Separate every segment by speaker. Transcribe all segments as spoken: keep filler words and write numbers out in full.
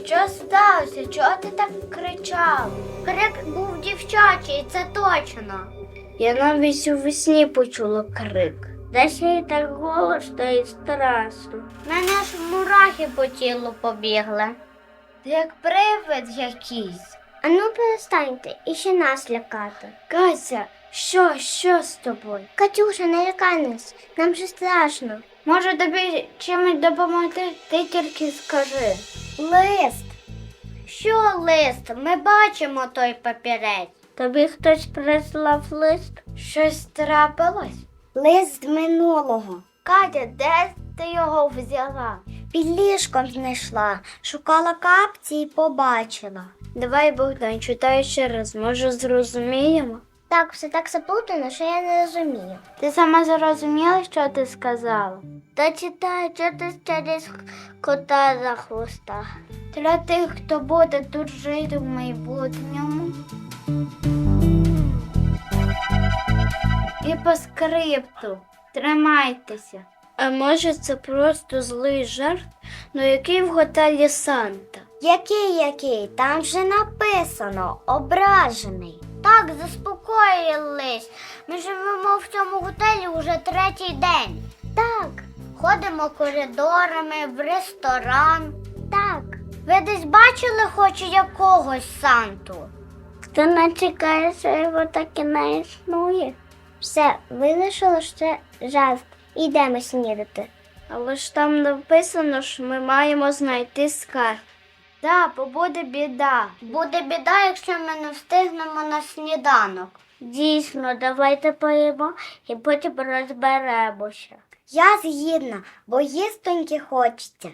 Speaker 1: Що сталося? Чого ти так кричав?
Speaker 2: Крик був дівчачий, це точно.
Speaker 1: Я навіть у весні почула крик. Десь і так голосно і страшно.
Speaker 2: Мене ж мурахи по тілу побігли.
Speaker 1: Ти як привид якийсь.
Speaker 2: Ану перестаньте, і ще нас лякати.
Speaker 1: Кася, що, що з тобою?
Speaker 2: Катюша, не лякай нас, нам же страшно.
Speaker 1: Може тобі чимось допомогти? Ти тільки скажи.
Speaker 2: Лист. Що лист? Ми бачимо той папірець.
Speaker 1: Тобі хтось прислав лист? Щось трапилось?
Speaker 2: Лист з минулого.
Speaker 1: Катя, де ти його взяла?
Speaker 2: Під ліжком знайшла, шукала капці і побачила.
Speaker 1: Давай, Богдан, читай ще раз, може зрозуміємо?
Speaker 2: Так, все так заплутано, що я не розумію.
Speaker 1: Ти сама зрозуміла, що ти сказала?
Speaker 2: Та читай, що ти через кота за хвоста.
Speaker 1: Для тих, хто буде тут жити в майбутньому. І по скрипту. Тримайтеся. А може це просто злий жарт, ну який в готелі Санта?
Speaker 2: Який, який? Там же написано ображений. Так, заспокоїлись. Ми живемо в цьому готелі уже третій день. Так. Ходимо коридорами, в ресторан. Так. Ви десь бачили хоч якогось Санту?
Speaker 1: Хто не чекає, що його так і не існує?
Speaker 2: Все, вирішили, що це жарт. Ідемо снідати.
Speaker 1: Але ж там написано, що ми маємо знайти скарб. Так, бо буде біда.
Speaker 2: Буде біда, якщо ми не встигнемо на сніданок.
Speaker 1: Дійсно, давайте поїмо і потім розберемося.
Speaker 2: Я згідна, бо їстоньки хочеться.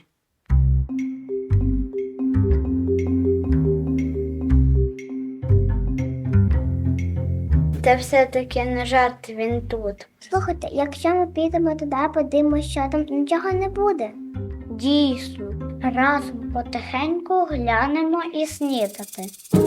Speaker 1: Та все-таки не жарт, він тут.
Speaker 2: Слухайте, якщо ми підемо туди, подивимося, що там, нічого не буде.
Speaker 1: Дійсно.
Speaker 2: Разом потихеньку глянемо і снідати.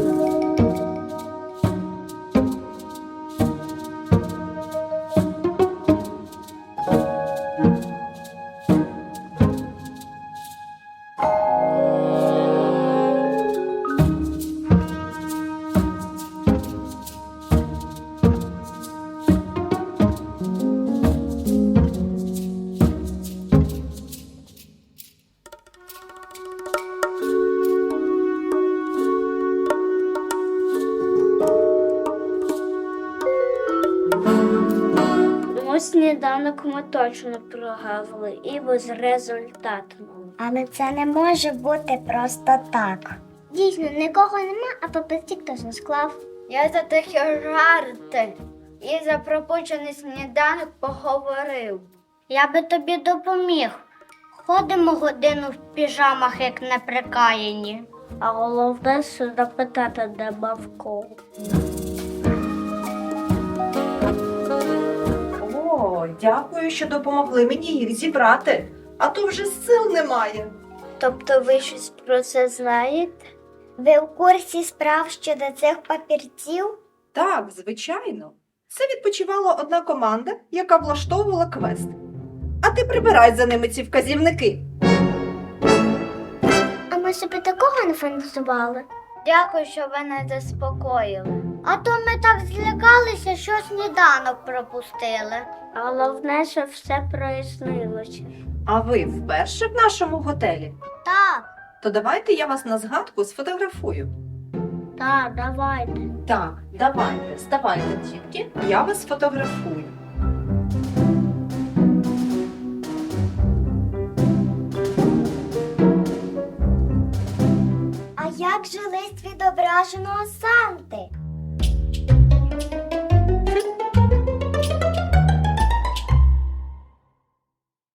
Speaker 1: Тому сніданок ми точно прогавили і безрезультатно.
Speaker 2: Але це не може бути просто так. Дійсно, нікого нема, а папірчик хтось не склав.
Speaker 1: Я за такі жарти і за пропущений сніданок поговорив.
Speaker 2: Я би тобі допоміг. Ходимо годину в піжамах, як неприкаяні.
Speaker 1: А головне, що запитати, де Бавко.
Speaker 3: О, дякую, що допомогли мені їх зібрати, а то вже сил немає.
Speaker 1: Тобто ви щось про це знаєте?
Speaker 2: Ви в курсі справ щодо цих папірців?
Speaker 3: Так, звичайно. Це відпочивала одна команда, яка влаштовувала квест. А ти прибирай за ними ці вказівники.
Speaker 2: А ми собі такого не фантазували.
Speaker 1: Дякую, що ви не заспокоїли.
Speaker 2: А то ми так злякалися, що сніданок пропустили.
Speaker 1: А головне, що все прояснилося.
Speaker 3: А ви вперше в нашому готелі?
Speaker 2: Так.
Speaker 3: То давайте я вас на згадку сфотографую.
Speaker 1: Так, давайте.
Speaker 3: Так, давайте, ставайте, дітки, я вас фотографую.
Speaker 2: А як же лист відображеного Санти?